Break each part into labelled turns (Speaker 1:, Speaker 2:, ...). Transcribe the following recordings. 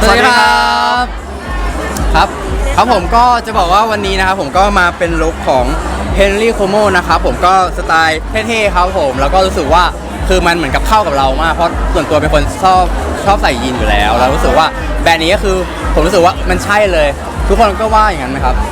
Speaker 1: สวัสดีครับครับผมก็จะบอกว่าวันนี้นะครับผมก็มาเป็นลุคของเฮนรี่โคโมนะครับผมก็สไตล์เท่ๆครับผมแล้วก็รู้สึกว่าคือมันเหมือนกับเข้ากับเรามากเพราะส่วนตัวเป็นคนชอบใส่ยีนอยู่แล้วแล้วรู้สึกว่าแบรนด์นี้ก็คือผมรู้สึกว่ามันใช่เลยทุกคนก็ว่าอย่างนั้นไหมครับ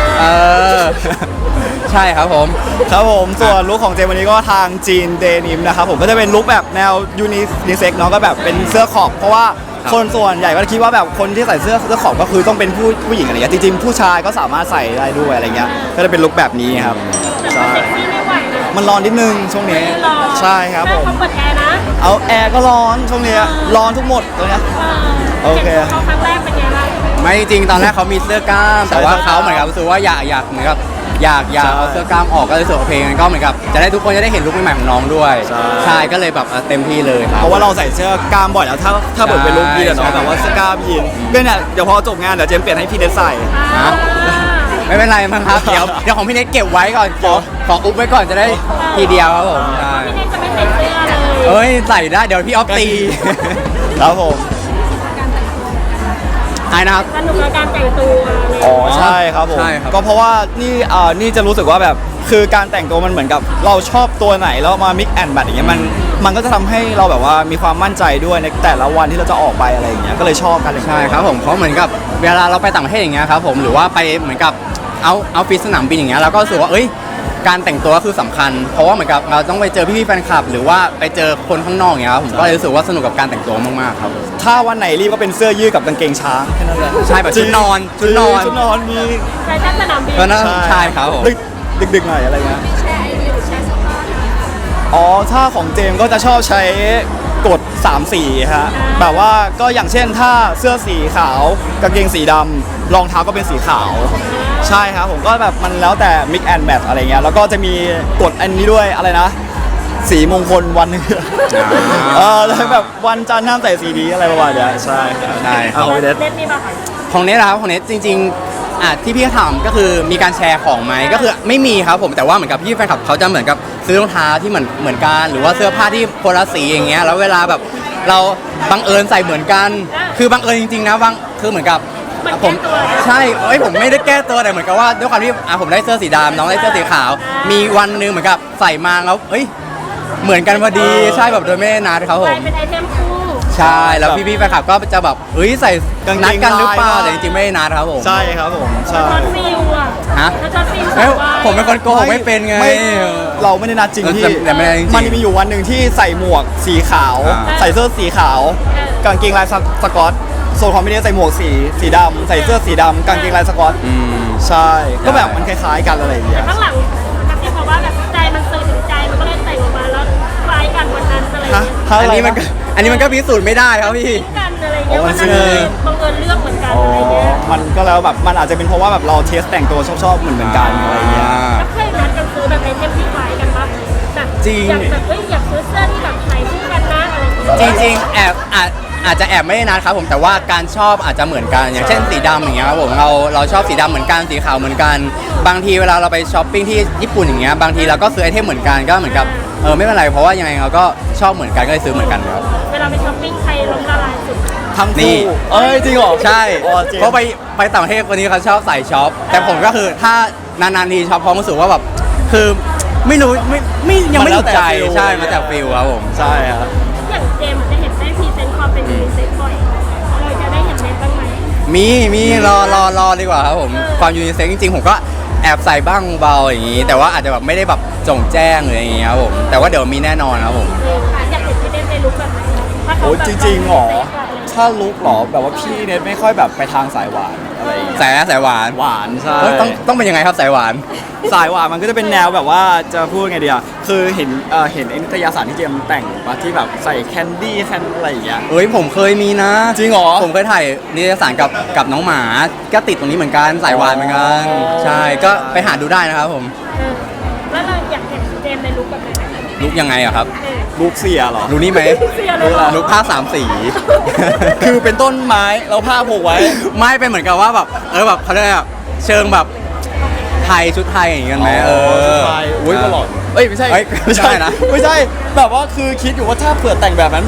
Speaker 1: ใช่ครับผม
Speaker 2: ส่วนลุคของเจมวันนี้ก็ทางจีนเดนิมนะครับผมก็จะเป็นลุคแบบแนวยูนิเซ็กเนาะก็แบบเป็นเสื้อขอบเพราะว่าคนส่วนใหญ่ก็คิดว่าแบบคนที่ใส่เสื้อขอบก็คือต้องเป็นผู้หญิงอะไรเงี้ยจริงๆผู้ชายก็สามารถใส่ได้ด้วยอะไรเงี้ยก็จะเป็นลุคแบบนี้ครับใช่มันร้อนนิดนึงช่วงนี้ใช่ครับผม
Speaker 3: เปิดแอร์นะ
Speaker 2: เอาแอร์ก็ร้อนช่วงนี้ร้อนทุกหมดตรงเนี้ยโอเค
Speaker 3: เขาครั้งแรกเป็นไงบ้าง
Speaker 1: ไม่จริงตอนแรกเขามีเสื้อกล้ามแต่ว่าเขาเหมือนกับรู้สึกว่าอยากเหมือนกับอยากเอาเสื้อกล้ามออกก็เลยรู้สึกว่าเพลงก็เหมือนกับจะได้ทุกคนจะได้เห็นลุคใหม่ๆของน้องด้วยใช่ก็เลยแบบเต็มที่เลยครับ
Speaker 2: เพราะว่าเราใส่เสื้อกล้ามบ่อยแล้วถ้าเปิดเป็นลุคยีนเนาะแบบว่าเสื้อกล้ามยีนก็เนี่ยเดี๋ยวพอจบงานเดี๋ยวเจมเปลี่ยนให้พี่เดซใส่
Speaker 1: ไม่เป็นไรมั้งครับเดี๋ยวของพี่เน็ตเก็บไว้ก่อนขออุ๊บไว้ก่อนจะได้ทีเดียวครับผมใช่
Speaker 3: พี่เน็ตจะไม่ใส่เสื้อเลย
Speaker 1: เอ้ยใส่ได้เดี๋ยวพี่ออฟตี
Speaker 2: ครับผม
Speaker 1: ไอ้นะครับ
Speaker 3: สนุกกับการแต่งตัว
Speaker 2: อ๋อใช่ครับผมก็เพราะว่านี่จะรู้สึกว่าแบบคือการแต่งตัวมันเหมือนกับเราชอบตัวไหนแล้วมา mix and match อย่างเงี้ยมันก็จะทำให้เราแบบว่ามีความมั่นใจด้วยในแต่ละวันที่เราจะออกไปอะไรอย่างเงี้ยก็เลยชอบกันเลย
Speaker 1: ใช่ครับผมเพราะเหมือนกับเวลาเราไปต่างประเทศอย่างเงี้ยครับผมหรือว่าไปเหมือนกับเอาฟิตสนามบินอย่างเงี้ยเราก็รู้สึกว่าการแต่งตัวคือสำคัญเพราะว่าเหมือนกับเราต้องไปเจอพี่ๆแฟนคลับหรือว่าไปเจอคนข้างนอกอย่างเงี้ยครับผมก็เลยรู้สึกว่าสนุกกับการแต่งตัวมากๆครับ
Speaker 2: ถ้าวันไหนรีบก็เป็นเสื้อยืดกับกางเกงช้างแค่นั้นแหละ
Speaker 1: ใช่แบบชุดนอน
Speaker 2: มี
Speaker 3: ใช่ท่านสนามบิน
Speaker 1: ใช่ครับผม
Speaker 2: ดึกหน่อยอะไรเงี้ยอ๋อถ้าของเจมก็จะชอบใช้กด3สีฮะแบบว่าก็อย่างเช่นถ้าเสื้อสีขาวกางเกงสีดำรองเท้าก็เป็นสีขาวใช่ครับผมก็แบบมันแล้วแต่ mix and match อะไรเงี้ยแล้วก็จะมีกฎอันนี้ด้วยอะไรนะสีมงคลวันนึงแล้วแบบวันจันทร์ห้ามใส่สีนี้อะไรประมาณนี้ใช่
Speaker 1: ของ
Speaker 3: เน็ตมีป่ะ
Speaker 1: ของเน็ตนะครับของเน็ตจริงๆที่พี่ถามก็คือมีการแชร์ของไหมก็คือไม่มีครับผมแต่ว่าเหมือนกับพี่แฟนคลับเขาจะเหมือนกับซื้อรองเท้าที่เหมือนกันหรือว่าเสื้อผ้าที่คนละสีอย่างเงี้ยแล้วเวลาแบบเราบังเอิญใส่เหมือนกันคือบังเอิญจริงๆนะคือเหมือนกับผมใช่ผมไม่ได้แก้ตัวแต่เหมือนกับว่าด้วยความที่ผมได้เสื้อสีดำน้องได้เสื้อสีขาวมีวันนึงเหมือนกับใส่มาแล้วเหมือนกันพอดีใช่แบบโดยไม่ได้นัดครับผม
Speaker 3: เป็นไอเทมคู่
Speaker 1: ใช่แล้วพี่ๆแฟนคลับก็จะแบบใส่นัดกันหรือเปล่าแต่จริงๆไม่ได้นัดครับผม
Speaker 2: ใช่ครับผมใช่
Speaker 3: ช็อตฟิลอะ
Speaker 1: ฮะผมเป็นคนโกหกไม่เป็นไง
Speaker 2: เราไม่ได้นัดจริงที่มันมีอยู่วันหนึ่งที่ใส่หมวกสีขาวใส่เสื้อสีขาวกางเกงลายสก๊อตโซนของพี่เนสใส่หมวกสีดำใส่เสื้อสีดำกางเกงลายสก๊อตใช่ก็แบบมันคล้ายๆกันอะไรอย่างเงี้ย
Speaker 3: ข้างหลังกับที่บอกว่าแบบใจมันสื่อถึงใจมันก็เลยแต่งออกมาแล้วคล้ายกันวันนั้นอะไร
Speaker 1: อันนี้มันก็พิสูจน์ไม่ได้ครับพี่
Speaker 3: กันอะไรเงี้ยวันนั้นบังเอิญเลือกเหมือนกันอะไรเงี้ย
Speaker 2: มันก็แล้วแบบมันอาจจะเป็นเพราะว่าแบบเราเทสแต่งตัวชอบเหมือนกันอะไรเงี้ย
Speaker 3: ก็เคยนัดกันซื้อแบบไอเทมที่คล้ายกันปะแบบ
Speaker 1: จริง
Speaker 3: แบบอยากซื้อเสื้อที่แบบใส่คู่กันนะอะไร
Speaker 1: จริงอาจจะแอบไม่ได้นัดครับผมแต่ว่าการชอบอาจจะเหมือนกันอย่างเช่นสีดำอย่างเงี้ยครับผมเราชอบสีดำเหมือนกันสีขาวเหมือนกันบางทีเวลาเราไปช้อปปิ้งที่ญี่ปุ่นอย่างเงี้ยบางทีเราก็ซื้อไอเทมเหมือนกันก็เหมือนกับไม่เป็นไรเพราะว่ายังไงเราก็ชอบเหมือนกันก็เลยซื้อเหมือนกันครับ
Speaker 3: เวลาไปช้อปปิ้งใครล้มละลายสุด
Speaker 2: ทั้งคู่จริงเหรอ
Speaker 1: ใช่เพราะไปต่างประเทศคนนี้เขาชอบใส่ช็อปแต่ผมก็คือถ้านานๆทีช็อปเพราะรู้สึกว่าแบบคือไม่รู้ไม่ยังไม่ถูกใจใช่มาจากฟิลครับผม
Speaker 2: ใช่ครับ
Speaker 3: อย่างเจมจะเห็นได้พรีเซนต์ความเป็นยูนิเซ็กบ่อยเราจะได้เห็นเน็ตบ้างไหม
Speaker 1: มีรอดีกว่าครับผมความยูนิเซ็กจริงๆผมก็แอบใส่บ้างเบาอย่างนี้แต่ว่าอาจจะแบบไม่ได้แบบจงแจ้งหรืออย่างเงี้ยครับผมแต่ว่าเดี๋ยวมีแน่นอนครับผม
Speaker 3: อยากเห็นพี่เน็ตในลุคแบบไหน
Speaker 2: โอ้จริงๆหรอถ้าลุคหรอแบบว่าพี่เน็ตไม่ค่อยแบบไปทางสายหวานอะไร
Speaker 1: สายหวาน
Speaker 2: ใช่
Speaker 1: ต้องเป็นยังไงครับสายหวาน
Speaker 2: มันก็จะเป็นแนวแบบว่าจะพูดไงดีอ่ะคือเห็นนิตยสารที่เจมแต่งมาที่แบบใส่แคนดี้อะไรอย่างเงี้ย
Speaker 1: ผมเคยมีนะ
Speaker 2: จริงเหรอ
Speaker 1: ผมเคยถ่ายนิตยสารกับน้องหมาก็ติดตรงนี้เหมือนกันสายหวานเหมือนกันใช่ก็ไปหาดูได้นะครับผม
Speaker 3: แล้วเราอยากเห็นเจมในลุคแบบไหน
Speaker 1: ลุคยังไงอะครับ
Speaker 2: ลุคเสียหรอ
Speaker 1: ลุคนี้ไหมลุคผ้า3 สี
Speaker 2: คือเป็นต้นไม้เราผ้าผูกไว้
Speaker 1: ไม่เป็นเหมือนกับว่าแบบแบบเขาเรียกเชิงแบบไทยชุดไทยอย่างเงี้ยไหม
Speaker 2: ชุดไทยอุ้ยตลอดไม่ใช่นะไม่ใช่แบบว่าคือคิดอยู่ว่าถ้าเผื่อแต่งแบบนั้นแบบ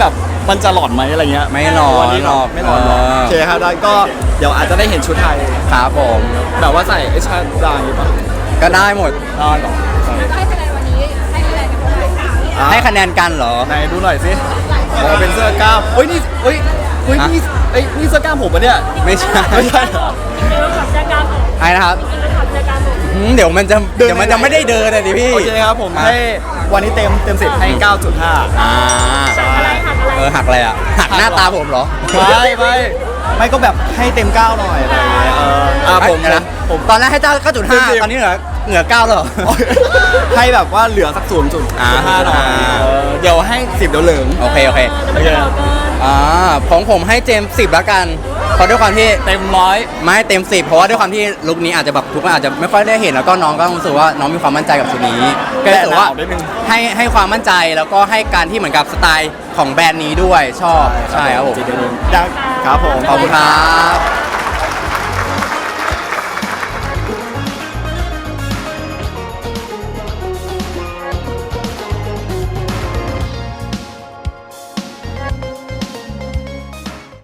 Speaker 2: มันจะหลอนไหมอะไรเงี้ย
Speaker 1: ไม่หลอน
Speaker 2: วันนี้
Speaker 1: หรอก
Speaker 2: ไม่หลอนหรอกโอเคครับแล้วก็เดี๋ยวอาจจะได้เห็นชุดไทย
Speaker 1: ครับผม
Speaker 2: แบบว่าใส่ไอ้ชาดาอย่างงี้ป่ะ
Speaker 1: ก็ได้หมด
Speaker 2: ได้หรอ
Speaker 4: ให้คะแนนวันนี้ให้คะแนนกันเท่าไหร่
Speaker 1: ให้คะแนนกันเหรอ
Speaker 2: ไหนดูหน่อยสิเป็นเสื้อกล้ามนี่เฮ้ยนี่เสื้อกล้ามผมปะเนี่ย
Speaker 1: ไม่ใช่
Speaker 2: ไม่ใช่เหรอ
Speaker 3: จริงๆแล้วขอบใจการผม
Speaker 1: ไอ้นะครับ
Speaker 3: จริงๆแล้วขอบใจการผม
Speaker 1: เดี๋ยวมันจะ
Speaker 2: เดิน
Speaker 1: ไม่ได้เดินเลยดิพี่
Speaker 2: โอเคครับผมให้วันนี้เต็ม10ให้ 9.5
Speaker 1: อ่า
Speaker 3: หักอะไรหักอะไร
Speaker 1: หักอะไรอ่ะหักหน้าตาผมเหรอ
Speaker 2: ไม่ก็แบบให้เต็ม 9 หน่อยอะไรอย่างเงี้ยผม
Speaker 1: นะ
Speaker 2: นะผม
Speaker 1: ตอนแรกให้เจ้า9.5 ตอนนี้เหลือ9แล้วเหรอ
Speaker 2: ให้แบบว่าเหลือสัก0.5หน่อยเดี๋ยวให้10เดี๋ยวเหลือง
Speaker 1: โอเค
Speaker 3: จะไม่ได้บอกเกิน
Speaker 1: ของผมให้เจมส์10แล้วกันเพราะด้วยความที่
Speaker 2: เต็ม100
Speaker 1: ไม่เต็ม10เพราะว่าด้วยความที่ลุคนี้อาจจะแบบทุกคนอาจจะไม่ค่อยได้เห็นแล้วก็น้องก็รู้สึกว่าน้องมีความมั่นใจกับชุดนี้ก็รู้สึกว่า
Speaker 2: แต่หนาวนิดนึง
Speaker 1: ให้ความมั่นใจแล้วก็ให้การที่เหมือนกับสไตล์ของแบรนด์นี้ด้วยชอบใช่ครับผม
Speaker 2: ครับผม
Speaker 1: ขอบคุณครับ